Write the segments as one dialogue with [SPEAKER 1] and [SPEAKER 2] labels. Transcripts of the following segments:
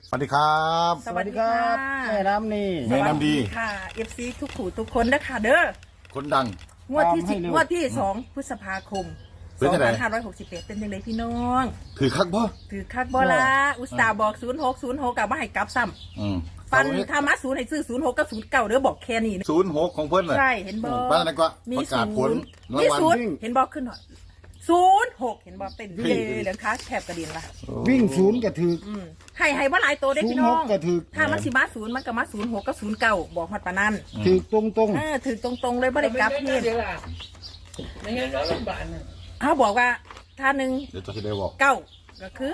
[SPEAKER 1] สวัสดีครับ
[SPEAKER 2] สวัสดีครับแม่น้ำนี่
[SPEAKER 1] แม่น้ำดี
[SPEAKER 2] ค่ะ FC ทุกผู้ทุกคนนะคะเด้อ
[SPEAKER 1] คนดัง
[SPEAKER 2] งวดที่
[SPEAKER 3] ตามให้เร็ว
[SPEAKER 2] งวดที่2 พฤษภาคม
[SPEAKER 1] เป็นจังได๋
[SPEAKER 2] 2561เป็นยังไงพี่น้อง
[SPEAKER 1] ถือคักบ่
[SPEAKER 2] ถือคักบอละอุตส่าห์บอก0606กับว่าให้กลับซ้
[SPEAKER 1] อืม
[SPEAKER 2] ำฟันธรรมะศูนย์ให้ซื้อ06กับ09เด้อบอกแค่นี้นะ
[SPEAKER 1] 06ของเพิ่นน่ะ
[SPEAKER 2] ใช่เห็นบอ
[SPEAKER 1] บ้านนั้นก็
[SPEAKER 2] มี
[SPEAKER 1] ประกาศผล
[SPEAKER 2] มี
[SPEAKER 1] รางวัล
[SPEAKER 2] ศูนย์เห็นบอกขึ้นหน่อย06เห็นบอกเต้นเย่เหลืองค้าแถบกระเด็นละ
[SPEAKER 3] วิ่งศูนย์กระถือ
[SPEAKER 2] ให้ว่าหลายตัวได้อพี่น้อง
[SPEAKER 3] 06ก็ถือ
[SPEAKER 2] ถ้ามันสิมาศูนย์มันก็มา06กับ09บอกฮอดปานนั้น
[SPEAKER 3] ถือตรง
[SPEAKER 2] ถือตรงๆเลยบ่ได้กลับเฮ็ด
[SPEAKER 4] ไม่งั้นเราลำบากนะ
[SPEAKER 2] เขาบอกว่าถ้า1
[SPEAKER 1] เดี๋ยวจะได้บอก
[SPEAKER 2] 9ก็คือ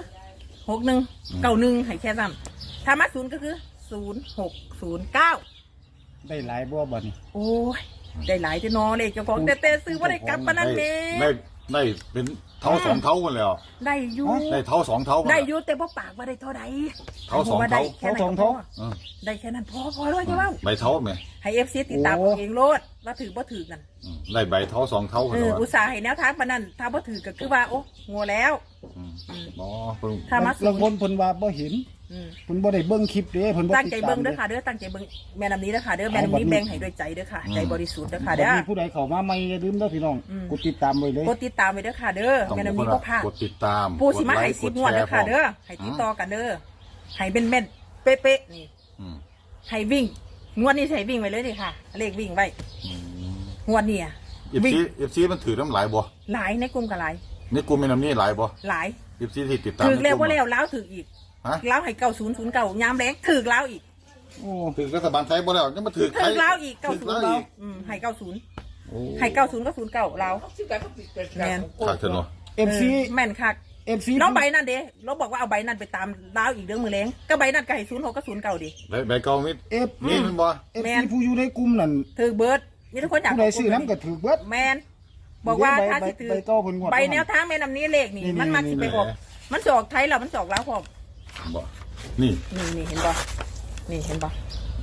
[SPEAKER 2] 61 91ให้แค่ซ้ำถ้ามาศูนย์ก็คือ0609
[SPEAKER 3] ๆได้หลายบ่บ่นี่
[SPEAKER 2] โอ้ยได้หลายที่นอเลยเจ้าของแต่ซื้อบ่ได้กลับปานนั้นเด้
[SPEAKER 1] ได้เป็นเท่าสองเท่ากันแล้ว
[SPEAKER 2] ได้อยู่
[SPEAKER 1] ได้เท่าสองเท่ากัน
[SPEAKER 2] ได้อยู่แต่บ่ปากว่าได้เท่าใด
[SPEAKER 1] เท่าสอง
[SPEAKER 2] ว่ได้
[SPEAKER 1] เท่า
[SPEAKER 2] แค่นั้นก็พอ
[SPEAKER 1] อืม
[SPEAKER 2] ได้แค่นั้นพอเลยจ้าว่า
[SPEAKER 1] ใบเท่าไหม
[SPEAKER 2] ให้ FC ติดตามเอาเองโลดว่าถือบ่ถือกัน
[SPEAKER 1] อืมได้ใบเท่าสองเท่ากันแล้ว
[SPEAKER 2] อุตส่าห์ให้แนวทางปานนั้นถ้าบ่ถือก็คือว่าโอ้งัวแล้ว
[SPEAKER 1] อ๋อเพิ่ง
[SPEAKER 2] ถ้ามาศู
[SPEAKER 3] ลาง
[SPEAKER 2] น
[SPEAKER 3] คน
[SPEAKER 2] ย์
[SPEAKER 3] เพิ่นว่าบ่เห็น
[SPEAKER 2] อืม
[SPEAKER 3] เพิ่นบ่ได้เบิ่งคลิปเด้เพิ่นบ่
[SPEAKER 2] ตั้ง
[SPEAKER 3] ติด
[SPEAKER 2] ใจ
[SPEAKER 3] ตา
[SPEAKER 2] เบิ้
[SPEAKER 3] ม
[SPEAKER 2] งเด้
[SPEAKER 3] เด้
[SPEAKER 2] อค่ะเด้อตั้งใจเบิ้งแม่น้ำนี้เด้อค่ะเด้อแม่น้ำนี้แบ่งให้ด้วยใจเด้อค่ะใจบริสุทธิ์เด้อค่ะ
[SPEAKER 3] บัด
[SPEAKER 2] เด้อ
[SPEAKER 3] นี้ผู้ใดเข้ามาใหม่อย่าลืมเด้อพี่น้อง
[SPEAKER 2] อืม
[SPEAKER 3] กดติดตามไว้เลย
[SPEAKER 2] กดติดตามไว้เด้อค่ะเด้อ
[SPEAKER 1] ต้อง
[SPEAKER 2] แม่
[SPEAKER 1] ทุก
[SPEAKER 2] น้ำ
[SPEAKER 1] ค
[SPEAKER 2] นี้
[SPEAKER 1] น
[SPEAKER 2] ก็พา
[SPEAKER 1] กดติดตาม
[SPEAKER 2] ปูสิมาให้
[SPEAKER 1] ก
[SPEAKER 2] สิ
[SPEAKER 1] ด
[SPEAKER 2] บงวด
[SPEAKER 1] แช
[SPEAKER 2] เด้อ
[SPEAKER 1] ร์
[SPEAKER 2] ค่ะเด้อ
[SPEAKER 1] พร้ม
[SPEAKER 2] ให้ติดต่อกันเด้อให้เป็นแม่นเป๊ะๆนี่
[SPEAKER 1] อืม
[SPEAKER 2] ให้วิ่งงวดนี้ใส่วิ่งไว้เลยดิค่ะ เลขวิ่งไว้
[SPEAKER 1] อืม
[SPEAKER 2] งวดนี้อะ
[SPEAKER 1] เอฟซีเอฟซีมันถือน้ำหลายบ่
[SPEAKER 2] หลายในกลุ่มกับหลาย
[SPEAKER 1] นี่กูไม่นำนี่หลายบ่
[SPEAKER 2] หลาย
[SPEAKER 1] เอฟซีที่ติดตาม
[SPEAKER 2] ถือแล้ว
[SPEAKER 1] ในก
[SPEAKER 2] ว่า
[SPEAKER 1] ลุ่ม
[SPEAKER 2] แล้วล้าวถืออีก
[SPEAKER 1] ฮะ
[SPEAKER 2] ล้าวให้9009ยามแรงถือล้าวอีก
[SPEAKER 3] โอ้
[SPEAKER 1] ถือรัฐบาลไทยบ่แล้วยังมาถือ
[SPEAKER 2] ถือล้าวอีก
[SPEAKER 1] ถือล้าว
[SPEAKER 2] 90
[SPEAKER 1] อีก
[SPEAKER 2] ให้90
[SPEAKER 1] โอ้
[SPEAKER 2] ให้90กับ09ล้าว
[SPEAKER 4] ชื่อการก็ปิดเป็น
[SPEAKER 2] แม่น
[SPEAKER 1] ขาดเถอะเนาะ
[SPEAKER 3] FC
[SPEAKER 2] แม่นคัก
[SPEAKER 3] FC
[SPEAKER 2] น้องใบนั่นเด้เราบอกว่าเอาใบนั่นไปตามดาวอีกเรื่องมือแรงก็ใบนั่นก็ให้06กับ09ดิ
[SPEAKER 1] ใบเก่ามิด
[SPEAKER 3] F
[SPEAKER 1] นี่มันบ่
[SPEAKER 2] แม่
[SPEAKER 3] FC
[SPEAKER 2] น
[SPEAKER 3] ผู้อยู่ในกลุ่มนั่น
[SPEAKER 2] ถือเบิร์ดมีทุกคนอยาก
[SPEAKER 3] ผู้ใดซื้อน้ำก็ถือเบิด
[SPEAKER 2] แมนบอกว่าถ้าสิถือ
[SPEAKER 3] ใบเก่าเพิ่นงวด
[SPEAKER 2] ใบแนวทางแม่นำนี้เลขนี่
[SPEAKER 3] นี่
[SPEAKER 2] มันมาสิไป
[SPEAKER 3] นี่
[SPEAKER 2] ออกมันสออกไทยแล้วมันสออกแล้วพร้อม
[SPEAKER 1] บ่นี่
[SPEAKER 2] นี่เห็นบ่นี่เห็นบ่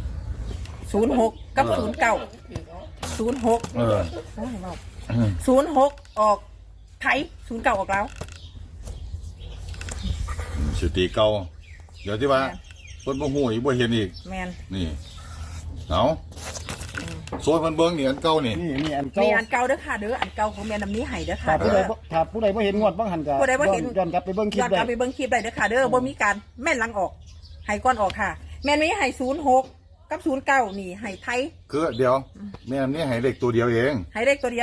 [SPEAKER 2] 06กับ09 06
[SPEAKER 1] เออ
[SPEAKER 2] โอ้ยเว้า
[SPEAKER 1] อืม
[SPEAKER 2] 06ออกไทย09ออกแล้ว
[SPEAKER 1] สิตีเก่าเดี๋ยวที่ว่าเพิ่นบ่ฮู้อีกบ่เห็นอีก
[SPEAKER 2] แมน
[SPEAKER 1] นี่เอาโซนเพิ่นเบิ่งนี่อันเก่านี่
[SPEAKER 3] นี่อันเก่า
[SPEAKER 2] นี่อันเก่าเด้อค่ะเด้ออันเก่าของแม่นำนี้ให้เด้อค่ะ
[SPEAKER 3] ถ้าผู้
[SPEAKER 2] เด้
[SPEAKER 3] ใด
[SPEAKER 2] อ
[SPEAKER 3] บ่ถ้าผู้ใดบ่เห็นงวดบ่หันก็
[SPEAKER 2] ผู้ใดบ่เห็น
[SPEAKER 3] ย้อนกลับไปเบิ่งคลิ
[SPEAKER 2] ย้
[SPEAKER 3] ป
[SPEAKER 2] อนก
[SPEAKER 3] ได้
[SPEAKER 2] ลับไปเบิ่งคลิปได้เด้อค่ะเด้อบ่มีการแม่นหลังออกให้ก้อนออกค่ะ แม่นมีให้06กับ09นี่ให้ไทย
[SPEAKER 1] คือเดี๋ยวแม่นนี่ให้เลขตัวเดียวเอง
[SPEAKER 2] ให้เลขตัวเดียว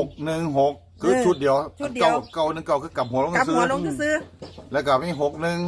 [SPEAKER 1] 616คือชุดเดียว
[SPEAKER 2] ชุดเดียว
[SPEAKER 1] เก่า19คือกลับหัวลง
[SPEAKER 2] กลับ
[SPEAKER 1] ซื้
[SPEAKER 2] หั
[SPEAKER 1] อ
[SPEAKER 2] วลงซื้อ
[SPEAKER 1] แล้วก็มี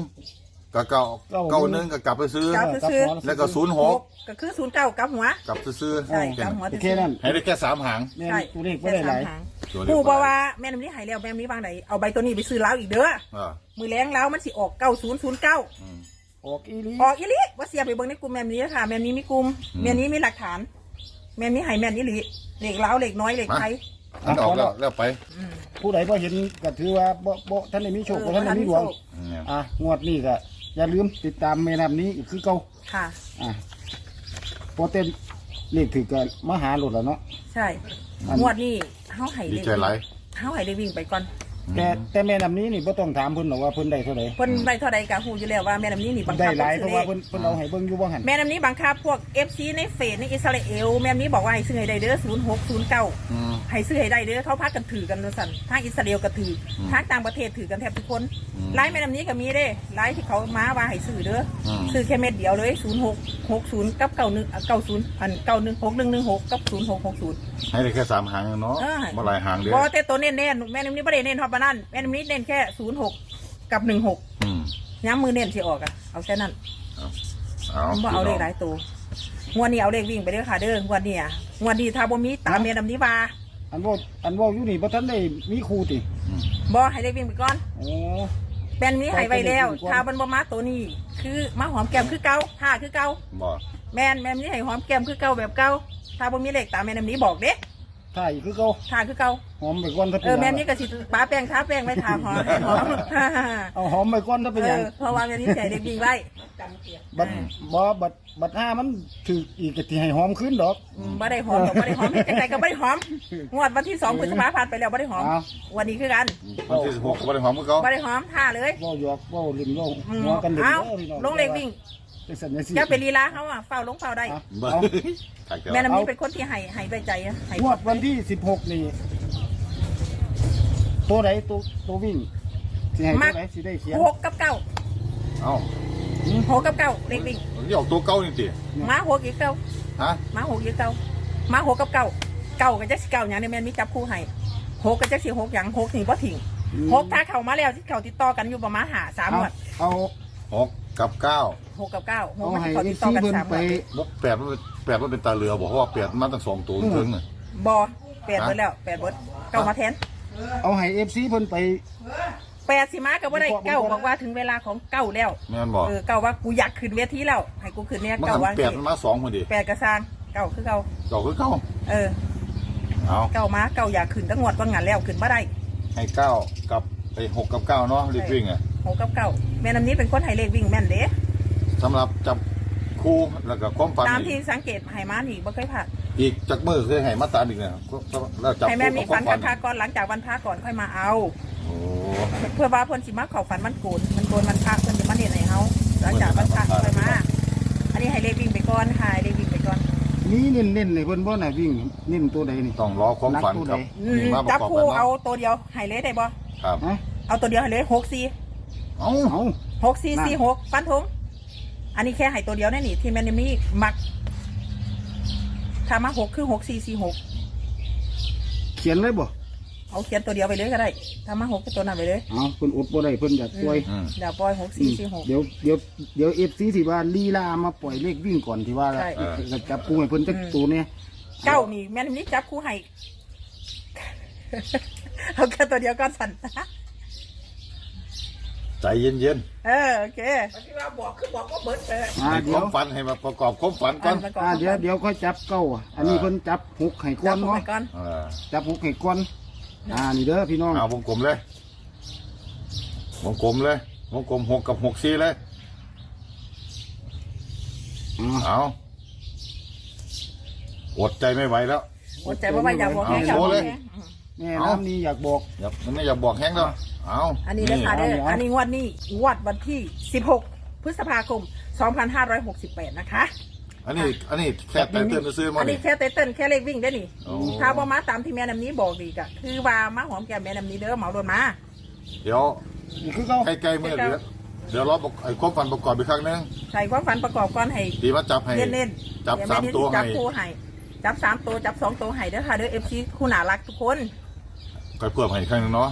[SPEAKER 1] 61กับ91ก็กลับไปซื้อ
[SPEAKER 2] กลับ ซื้อ
[SPEAKER 1] แล้วก็
[SPEAKER 2] 6ก็คือ09กลับหัว
[SPEAKER 1] 06กลับซื้อ
[SPEAKER 2] ใช่กลับหัว
[SPEAKER 3] โอเคนั่น
[SPEAKER 1] ให้ได้แค่3หาง
[SPEAKER 3] แม่น
[SPEAKER 2] ใช่
[SPEAKER 3] ตัวเลขบ่ได้หลาย
[SPEAKER 1] ตัวเลข
[SPEAKER 2] ผู้บอกว่าแม่นำนี้ให้แล้วแม่นำนี้วางไหนเอาใบตัวนี้ไปซื้อแล้วอีกเด้อ
[SPEAKER 1] อ่า
[SPEAKER 2] มือแรงแล้วมันสิออก9009
[SPEAKER 1] อืม
[SPEAKER 3] ออกอีหลี
[SPEAKER 2] ออกอีหลีว่าเสียไปเบิ่งในกลุ่มแม่นนี้ค่ะแม่นนี้มีกลุ่มแม่นนี้มีหลักฐาน แม่นนี้ให้แม่นอีหลีเหล็กเล้าเหล็กน้อยเหล็กไทย
[SPEAKER 1] มันออกแล้วไป
[SPEAKER 3] ผู้ใดบ่เห็นก็ถือว่าบ่ท่านได้มีโชคบ่ท่านได้มีดวง
[SPEAKER 1] เนี่ย
[SPEAKER 3] งวดนี้ก็อย่าลืมติดตามแม่น้ำนี้อีกคือเก่า
[SPEAKER 2] ค่ะ
[SPEAKER 3] โปรเต้นเลขถือกันมาหาหลุดแล้วเนาะ
[SPEAKER 2] ใช่
[SPEAKER 3] อัน
[SPEAKER 2] งวดนี้เฮาให้
[SPEAKER 1] ดี
[SPEAKER 2] เลข
[SPEAKER 1] ใจหลาย
[SPEAKER 2] เฮาให้เลขวิ่งไปก่อน
[SPEAKER 3] แต่แม่น้ำนี้นี่บ่ต้องถามเพิ่นหรอกว่าเพิ่นได้เท่าใด
[SPEAKER 2] เพิ่นได้เท่าใดก็ฮู้อยู่แล้วว่าแม่น้ำนี้นี่บัง
[SPEAKER 3] ได้
[SPEAKER 2] คับ
[SPEAKER 3] หลายเพ
[SPEAKER 2] ซื้อ
[SPEAKER 3] ราะ
[SPEAKER 2] เล
[SPEAKER 3] ว่า
[SPEAKER 2] ข
[SPEAKER 3] เพิ่นเอาให้เบิ่งอยู่บ่หัน
[SPEAKER 2] แม่น้ำนี้บังคับพวก FC ในเฟซในอิสราเอลแม่น้ำนี้บอกว่าให้ซื้อให้ได้เด้อ0609
[SPEAKER 1] อืม
[SPEAKER 2] ให้ซื้อให้ได้เด้อเขาพากันถือกันว่าซั่นทางอิสราเอลก็ถือทางต่างประเทศถือกันแทบทุกคน
[SPEAKER 1] อืม
[SPEAKER 2] ไลน์แม่น้ำนี้ก็มีเด้ไลน์ที่เขามาว่าให้ซื้อเด้ออ
[SPEAKER 1] ม
[SPEAKER 2] ซื้อแค่เม็ดเดียวเลย0660กับ9190อัน916116กับ0660
[SPEAKER 1] ให้ได้แค่3หางเนาะ
[SPEAKER 2] เออ
[SPEAKER 1] บ่หลายหางเด้อ
[SPEAKER 2] บ่แต่ตัวเน้นแม่น้ำนี้บ่ได้เน้นฮอดปานนั้นแม่น้ำนี้เน้นแค่06กับ16
[SPEAKER 1] อืม
[SPEAKER 2] ย้ำมือเน้นสิออกอ่ะเอาแค่นั้น
[SPEAKER 1] เอา
[SPEAKER 2] บ่เอาเลขหลายตัวงวดนี้เอาเลขวิ่งไปเด้อค่ะเด้องวดนี้อ่ะงวดนี้ถ้าบ่มีตามแม่น้ำนี้ว่า
[SPEAKER 3] อันว่าอยู่นี่บ่ทันได้มีครูติ
[SPEAKER 1] อืม
[SPEAKER 2] บ่ให้เลขวิ่งไปก่อน
[SPEAKER 3] โอ้
[SPEAKER 2] แบนนี้ให้ไว้แล้วถ้ามันบ่มาตัวนี้ คือมาหอมแก้มคือเก่าท่าคือเก่า
[SPEAKER 1] บ่
[SPEAKER 2] แม่นนี้ให้หอมแก้มคือเก่าแบบเก่าถ้าบ่มีเลขตามแม่น้ำนี้บอกเด้
[SPEAKER 3] ถ่ายอีกคือเก่า
[SPEAKER 2] ทาคือเก่า
[SPEAKER 3] หอมไปก่อนถ้าเป็น
[SPEAKER 2] แม่นี้ก็สิป้าแป้งทาแป้งไว้ทาหอมหอม
[SPEAKER 3] เอาหอมไปก่อนถ้าเป็นหยัง
[SPEAKER 2] เพราะว่าแม่นี้ใส่เด็กดีไว้
[SPEAKER 4] จำเกียรติ
[SPEAKER 3] บัดบัดห้ามันถืออีกก็สิให้หอมขึ้นดอก
[SPEAKER 2] บ่ได้หอมบ่ได้หอมเฮ็ดจังไดก็บ่ได้หอมงวดวันที่2พฤษภาคมผ่านไปแล้วบ่ได้หอม
[SPEAKER 3] อ้าว
[SPEAKER 2] วันนี้คือกัน
[SPEAKER 1] วันที่16ก็บ่ได้หอมคือเก่า
[SPEAKER 2] บ่ได้หอมท่าเลย
[SPEAKER 3] เว้าหยอกเว้าลิ้นเว้าหัวกันเด้
[SPEAKER 2] เอ้า
[SPEAKER 3] พี่น้อง
[SPEAKER 2] ลงเลขวิ่ง
[SPEAKER 3] จังซั่นจังซี่
[SPEAKER 2] อย่าไปลีลาเขาอ่ะเฝ้าลงเฝ้าได้
[SPEAKER 3] เอา
[SPEAKER 1] บ่
[SPEAKER 3] เอา
[SPEAKER 1] ถ่ายเกี่ยว
[SPEAKER 2] แม่น้ำนี้เป็นคนที่ให้ด้วยใจอะให้
[SPEAKER 3] งวดวันที่16นี่ตัวไหนตัววิ่งสิให้ตัวไหนสิได้เขียน
[SPEAKER 2] 6กับ9
[SPEAKER 1] เอ้า
[SPEAKER 2] 6กับ9เลขวิ่ง
[SPEAKER 1] นี่ออกตัวเก่านี่ติ
[SPEAKER 2] มา6อีก9
[SPEAKER 1] ฮะ
[SPEAKER 2] มา6อีก9มา6กับ9 9ก็จักสิ9หยังเนี่ยแม่นมีจับคู่ให้6ก็จักสิ6หยัง6นี่บ่ทิ้ง6ถ้าเข้ามาแล้วที่เข้าติดต่อกันอยู่ประมาณ5 3งวด
[SPEAKER 3] เอา
[SPEAKER 1] 6กับ9
[SPEAKER 2] 6กับ9
[SPEAKER 3] เอา
[SPEAKER 2] 6มัน
[SPEAKER 3] ให้
[SPEAKER 2] เข้าติดต่อ
[SPEAKER 3] ซี
[SPEAKER 2] กัน
[SPEAKER 3] เพิ่น
[SPEAKER 2] 3ง
[SPEAKER 3] ไป
[SPEAKER 2] วด
[SPEAKER 1] บ่8มันเป็นตาเรือบ่เพราะว่า8มาตั้ง2ตัวถึงน่ะ
[SPEAKER 2] บ่8เบิดแล้ว8เบิดเก้ามาแทน
[SPEAKER 3] เอาให้ FC เพิ่นไป
[SPEAKER 2] 8สิมาก็บ่ได้เก้าบอกว่าถึงเวลาของเก้าแล้ว
[SPEAKER 1] แม่นบ่
[SPEAKER 2] เก้าว่ากูอยากขึ้นเวทีแล้วให้กูขึ้นเนี่ย
[SPEAKER 1] มัน
[SPEAKER 2] เก้า
[SPEAKER 1] หัน
[SPEAKER 2] ว่า
[SPEAKER 1] 8มันมา2พอดี
[SPEAKER 2] 8กระซางเก้าคือเก้า
[SPEAKER 1] เก่าคือเก่า
[SPEAKER 2] เออ
[SPEAKER 1] เอา
[SPEAKER 2] เก้ามาเก้าอยากขึ้นตั้งงวดว่างานแล้วขึ้นบ่ได้
[SPEAKER 1] ให้9กับไป6กับ9เนาะรีบวิ่งอ่ะ
[SPEAKER 2] 6กับ9แม่น้ำนี้เป็นคนให้เลขวิ่งแม่นเด้
[SPEAKER 1] สำหรับจับคู่แล้วก็ความฝัน
[SPEAKER 2] ตามที่
[SPEAKER 1] อีก
[SPEAKER 2] สังเกตให้มานี่บ่เคยผ่าน
[SPEAKER 1] อีกจักมือเคยให้มาตามอีกเนี่ยแล้วจับ
[SPEAKER 2] ให้แม่
[SPEAKER 1] คู่
[SPEAKER 2] มี
[SPEAKER 1] กับค
[SPEAKER 2] ฝั
[SPEAKER 1] วาน มฝัน
[SPEAKER 2] คาก่อนหลังจากวันพระก่อนค่อยมาเอา
[SPEAKER 1] โอ้
[SPEAKER 2] เพื่อว่าเพิ่นสิมาเข้าฝันมันโกนมันโกนมันพระเพิ่นจะมาเฮ็ดให้เฮาหลังจากวันพระค่อยมา อันนี้ให้เลขวิ่งไปก่อนค่ะให้เลขวิ่งไปก่อน
[SPEAKER 3] มีเน้นๆเลยเพิ่นบ่น่ะวิ่งเน้นตัวใดนี่
[SPEAKER 1] ต้องรอความฝันครับนี่มาประ
[SPEAKER 2] จับ
[SPEAKER 1] กอบ
[SPEAKER 2] คู่
[SPEAKER 1] กัน
[SPEAKER 2] เอา
[SPEAKER 1] เนาะ
[SPEAKER 2] ตัวเดียวให้เลยได้บ่
[SPEAKER 1] ครับ
[SPEAKER 3] ฮะ
[SPEAKER 2] เอาตัวเดียวให้เลย64
[SPEAKER 1] เอ้า
[SPEAKER 3] เอา
[SPEAKER 2] 6446ฟันธงอันนี้แค่ให้ตัวเดียวแน่นี่ที่แม่นมีมักถ้ามา6คือ6446
[SPEAKER 3] เขียนเลยบ่
[SPEAKER 2] เอาเขียนตัวเดียวไปเลยก็ได้ถ้ามา6ก็ตัวนั้นไปเลย
[SPEAKER 3] เอาเพิ่นอดบ่ได้เพิ่นอยากปล่อย
[SPEAKER 1] อืม
[SPEAKER 2] เดี๋ยวปล่อย6446
[SPEAKER 3] เดี๋ยว FC ที่ว่าลีลามาปล่อยเลขวิ่งก่อนที่ว่า
[SPEAKER 2] ใช่
[SPEAKER 3] จะจับกูให้เพิ่นจักตัวเนี่ย
[SPEAKER 2] เก้านี่แม่นนี่จับคู่ให้ เอาแค่ตัวเดียวก็สั่น
[SPEAKER 1] ใจเย็น
[SPEAKER 2] โอเค
[SPEAKER 4] ที่ว่าบอกคือบอกว่าเบิดเลย
[SPEAKER 1] ๆให้ค
[SPEAKER 3] เดี๋ยว
[SPEAKER 1] าว มฝันให้มาประกอบความฝันก่อน
[SPEAKER 3] เดี๋ยวค่อยจับเก้าอันนี้เพิ่นจับหกให้ก่
[SPEAKER 2] จั
[SPEAKER 3] อบ น
[SPEAKER 2] คู่
[SPEAKER 3] เนาะ
[SPEAKER 2] ให้ก่อน
[SPEAKER 3] จับหกให้ก่อนนี่เด้อพี่น้อง
[SPEAKER 1] เอาวงกลมเลยวงกลมเลยวงกลม6กับ64เลย เอาอดใจไม่ไหวแล้ว
[SPEAKER 2] อดใจบ่ไหวอย่าบอกแห้งอย่า
[SPEAKER 1] เอา
[SPEAKER 2] บอก
[SPEAKER 1] โชว์เลย
[SPEAKER 2] แห้ง
[SPEAKER 3] แม่น้ำนี้อยากบอก
[SPEAKER 1] มันไม่อยากบอกแห้งแล้วเอา
[SPEAKER 2] อันนี้นะคะเด้ออันนี้งวดนี้งวดวันที่16พฤษภาคม2568นะคะ
[SPEAKER 1] อันนี้แค่ไตเติ้ลซื้อมา
[SPEAKER 2] อัน
[SPEAKER 1] ดิ
[SPEAKER 2] นี้แค่เต้นแค่เลขวิ่งได้อนี่
[SPEAKER 1] โอ้
[SPEAKER 2] ถ้าบ่มาตามที่แม่น้ำนี้บอกดีกะคือว่ามาหอมแก้มแม่น้ำนี้เด้อเหมาโดนมา
[SPEAKER 1] เดี๋ยว
[SPEAKER 3] นี่คือเขา
[SPEAKER 1] ใกล้ๆเมื่อเดี๋ยวรอไอ้ความฝันประกอบอีกครั้งนึง
[SPEAKER 2] ใส่ความฝันประกอบก่อนให้
[SPEAKER 1] ดีมาจับให้
[SPEAKER 2] เน้น
[SPEAKER 1] จับ
[SPEAKER 2] เดี๋ย
[SPEAKER 1] สาม
[SPEAKER 2] แนี้
[SPEAKER 1] ตัว
[SPEAKER 2] จับ
[SPEAKER 1] ให้
[SPEAKER 2] คู่ให้จับ3ตัวจับ2ตัวให้เด้อค่ะเด้อ FC คู่น่ารักทุกคน
[SPEAKER 1] ก็เพิ่มให้อีกครั้งนึงเนาะ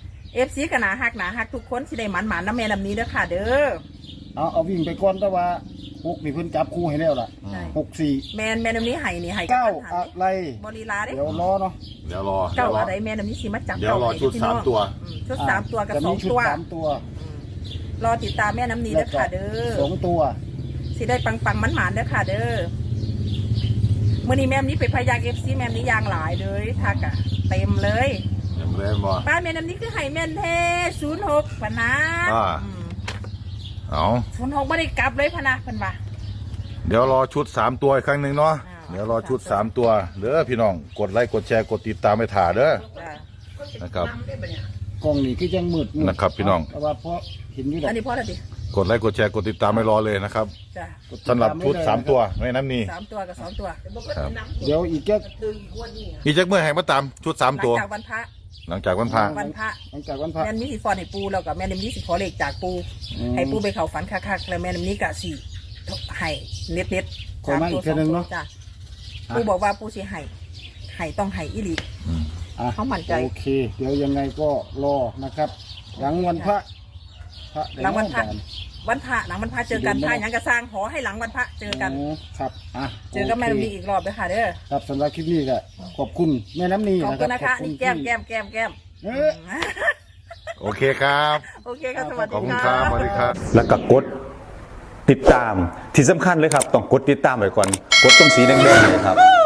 [SPEAKER 2] FC ก็น่าฮักทุกคนสิได้หมันๆน้ำแม่น้ำนี้เด้อค่ะเด้อ
[SPEAKER 3] เอาวิ่งไปก่อนแต่ว่าหกนี่เพิ่นจับคู่ให้แล้วล่ะ
[SPEAKER 2] ใช่
[SPEAKER 3] 64
[SPEAKER 2] แม่น้ำนี้ให้นี่ให้
[SPEAKER 3] เก้า
[SPEAKER 2] บหัน
[SPEAKER 3] อะไร
[SPEAKER 2] บริลาเด้
[SPEAKER 3] เดี๋ยวรอเนาะ
[SPEAKER 1] เดี๋ยวรอ
[SPEAKER 2] เก้าอะไรแม่น้ำนี้สิมาจับ
[SPEAKER 1] เดี๋ยวรอ
[SPEAKER 2] ให้
[SPEAKER 1] ชุด
[SPEAKER 2] พี่น้อง
[SPEAKER 1] 3ตัว
[SPEAKER 2] ชุด3ตัวกับ
[SPEAKER 3] จะมี
[SPEAKER 2] 2
[SPEAKER 3] ชุด
[SPEAKER 2] ตัว
[SPEAKER 3] 3ตัว
[SPEAKER 2] รอติดตามแม่น้ำนี้เด้อค่ะเด้อ
[SPEAKER 3] 2ตัว
[SPEAKER 2] สิได้ปังๆมันๆเด้อค่ะเด้อมื้อนี้แม่น้ำนี้ไปพายาง FC แม่น้ำนี้ยางหลายเลยทักอะเต็มเลย
[SPEAKER 1] ยังเล่นบ่
[SPEAKER 2] ป้าแม่น้ำนี้คือให้แม่นเท06พะนะ
[SPEAKER 1] อ่า เอา
[SPEAKER 2] 06บ่ได้กลับเลยพะนะเพิ่นว่า
[SPEAKER 1] เดี๋ยวรอชุด3ตัวอีกครั้งนึงเนาะ
[SPEAKER 2] อ่า
[SPEAKER 1] เดี๋ยวรอชุด3ตัวเด้อพี่น้องกดไลค์กดแชร์กดติดตามให้ถ่าเด้อ
[SPEAKER 2] จ้ะ
[SPEAKER 1] นะครับ
[SPEAKER 4] นำได้ปะเนี่ย
[SPEAKER 3] กล้องนี่คือยังมืด
[SPEAKER 1] นะครับพี่น้อง
[SPEAKER 3] แต่ว่าพอเห็นอยู่ดอก
[SPEAKER 2] อันนี้พอแล้วดิ
[SPEAKER 1] กดไลค์กดแชร์กดติดตามให้รอเลยนะครับ
[SPEAKER 2] จ้ะ
[SPEAKER 1] สำหรับชุด3ตัวไม่น้ำนี่
[SPEAKER 2] 3ตัวกับ2ตัว
[SPEAKER 4] แต่บอกว่าจะนำ
[SPEAKER 3] เดี๋ยวอีกแค่
[SPEAKER 4] ตื่นอีกวันนี้
[SPEAKER 1] อีจักเมื่อให้มาตามชุด
[SPEAKER 2] หลัง
[SPEAKER 1] 3ตัว
[SPEAKER 2] จากวันพระ
[SPEAKER 1] หลังจากวันพระ
[SPEAKER 2] วันพระ
[SPEAKER 3] หลังจากวันพระ
[SPEAKER 2] แม่น้ำนี้สิฟอนให้ปูแล้วก็แม่น้ำนี้สิขอเลขจากปูให้ปูไปเข้าฝันคักๆแล้วแม่น้ำนี้ก็สิให้เน็ตๆ
[SPEAKER 3] คอยมาอีกเทื่อนึงเนาะ
[SPEAKER 2] จ้ะปูบอกว่าปูสิให้ต้องให้อีหลี
[SPEAKER 3] อ่ะ
[SPEAKER 2] เขามั่นใจ
[SPEAKER 3] โอเค เดี๋ยวยังไงก็รอนะครับ หลังวันพระได้
[SPEAKER 2] หลังวันพระ
[SPEAKER 3] แน่
[SPEAKER 2] วันพระหลังวันพระเจอกันพระหยังกระสร้างขอให้หลังวันพระเจอกัน
[SPEAKER 3] อ๋อครับอ่ะ
[SPEAKER 2] เจอกับแม่น้ำนี้อีกรอบเลยค่ะเด้อ
[SPEAKER 3] ครับสำหรับคลิปนี้ก็ขอบคุณแม่น้ำนี
[SPEAKER 2] ขอบ
[SPEAKER 3] นะค
[SPEAKER 2] คุ
[SPEAKER 3] รั
[SPEAKER 2] ณ
[SPEAKER 3] บ
[SPEAKER 2] นะคะนี่แก้ม
[SPEAKER 3] เออ
[SPEAKER 1] โอเคครับ
[SPEAKER 2] โอเคค่ะสวัส
[SPEAKER 1] ขอบ
[SPEAKER 2] ดี
[SPEAKER 1] คุณค
[SPEAKER 2] ค่ะ
[SPEAKER 1] รับสวัสดีครับ
[SPEAKER 5] แล้วก็กดติดตามที่สำคัญเลยครับ ต้องกดติดตามไว้ก่อน กดตรงสีแดงๆเลยครับ